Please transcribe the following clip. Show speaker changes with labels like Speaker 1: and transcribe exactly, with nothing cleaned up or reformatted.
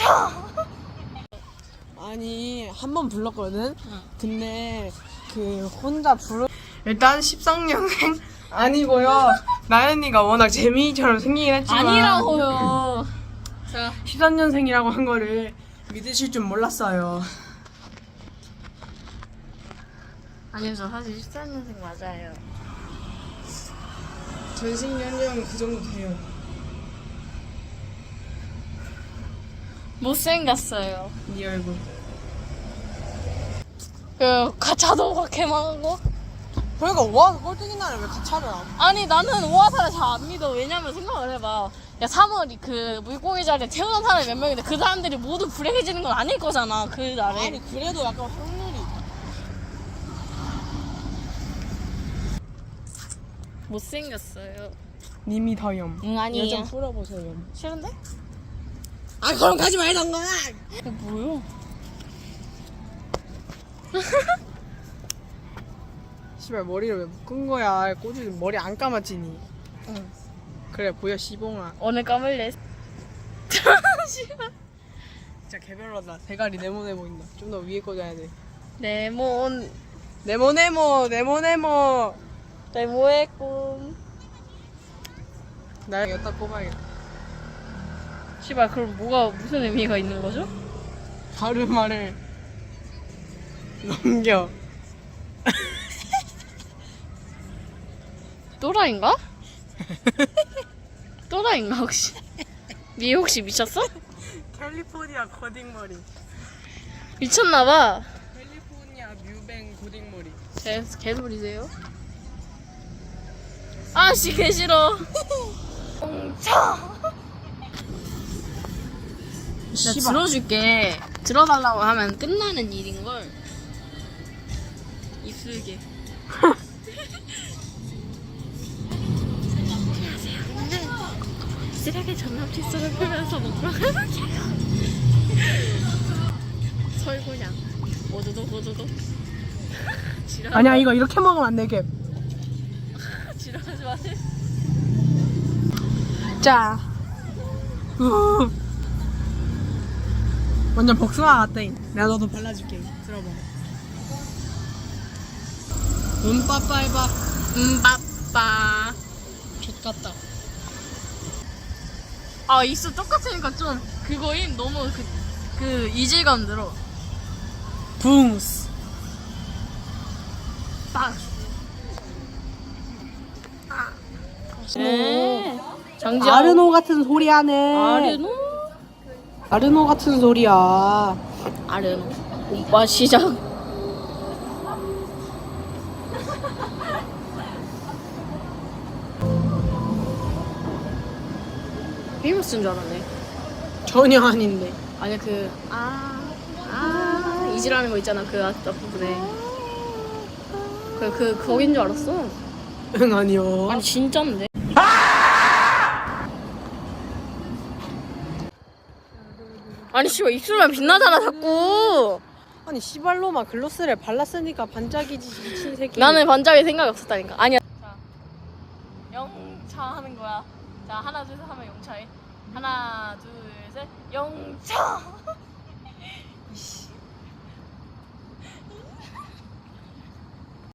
Speaker 1: 영차.
Speaker 2: 아니 한 번 불렀거든. 응. 근데 그 혼자 부르 일단 십삼 년생 아니고요. 나연이가 워낙 재민이처럼 생기긴 했지만
Speaker 1: 아니라고요. 자,
Speaker 2: 십삼 년생이라고 한 거를 믿으실 줄 몰랐어요.
Speaker 1: 아니요, 저 사실 십삼 년생 맞아요.
Speaker 2: 전신 연령 그 정도 돼요.
Speaker 1: 못생겼어요.
Speaker 2: 네 얼굴.
Speaker 1: 그 가차도 그렇게 망하고.
Speaker 2: 그러니까 오아사 꼴등인 날에 왜 가차를 안?
Speaker 1: 아니 나는 오아사를 잘 안 믿어. 왜냐면 생각을 해봐. 야 삼월이 그 물고기 자리에 태어난 사람이 몇 명인데 그 사람들이 모두 불행해지는 건 아닐 거잖아. 그 날에.
Speaker 2: 아니 그래도 약간 확률이.
Speaker 1: 못생겼어요.
Speaker 2: 님이 더염.
Speaker 1: 응 아니에요.
Speaker 2: 얘좀 풀어보세요.
Speaker 1: 싫은데?
Speaker 2: 아 그럼 가지 말던가.
Speaker 1: 이게 뭐야?
Speaker 2: 씨발 머리를 왜 묶은 거야? 꼬지 머리 안 감았지니.
Speaker 1: 응.
Speaker 2: 그래 보여 시봉아.
Speaker 1: 오늘 감을래.
Speaker 2: 진짜 개별로다. 대가리 네모네 보인다. 좀 더 위에 꽂아야 돼.
Speaker 1: 네몬
Speaker 2: 네모네모 네모네모.
Speaker 1: 네모의 꿈.
Speaker 2: 나 여기다 꼽아야겠다.
Speaker 1: 씨발 그럼 뭐가 무슨 의미가 있는 거죠?
Speaker 2: 바른 말을 넘겨.
Speaker 1: 또라이인가? 또라이인가 혹시? 니 혹시 미쳤어?
Speaker 2: 캘리포니아 고딩머리.
Speaker 1: 미쳤나봐.
Speaker 2: 캘리포니아 뮤뱅 고딩머리.
Speaker 1: 개, 개소리세요? 아씨 개 싫어. 차. 나 들어줄게. 들어달라고 하면 끝나는 일인걸. 입술게. 쓰레기 전남 칫솔을 풀면서 먹으러 설구냥 오도독 오도독.
Speaker 2: 아니야 이거 이렇게 먹으면 안 되게.
Speaker 1: 지랄하지 마세요.
Speaker 2: 자. 우. 완전 복숭아 같다. 내가 너도 발라줄게. 들어봐. 눈빠빠 해봐.
Speaker 1: 음 빠빠.
Speaker 2: X같다.
Speaker 1: 아 입술 똑같으니까 좀 그거임. 너무 그, 그 이질감 들어.
Speaker 2: 붕스.
Speaker 1: 빡. 네. 정지.
Speaker 2: 아르노 같은 소리 하네.
Speaker 1: 아르노?
Speaker 2: 아르노 같은 소리야.
Speaker 1: 아르노. 오빠 시작. 비머스인 줄 알았네.
Speaker 2: 전혀 아닌데.
Speaker 1: 아니 그 아, 아 이지라는 거 있잖아 그 앞부분에 그, 그 거긴 줄 알았어.
Speaker 2: 응 아니요.
Speaker 1: 아니 진짠데. 아니 씨발 입술만 빛나잖아 자꾸.
Speaker 2: 아니 시발로마 글로스를 발랐으니까 반짝이지 미친 새끼.
Speaker 1: 나는 반짝이 생각이 없었다니까. 아니야. 자 영차 하는 거야. 자 하나 둘 셋 하면 영차해. 하나 둘 셋 영차.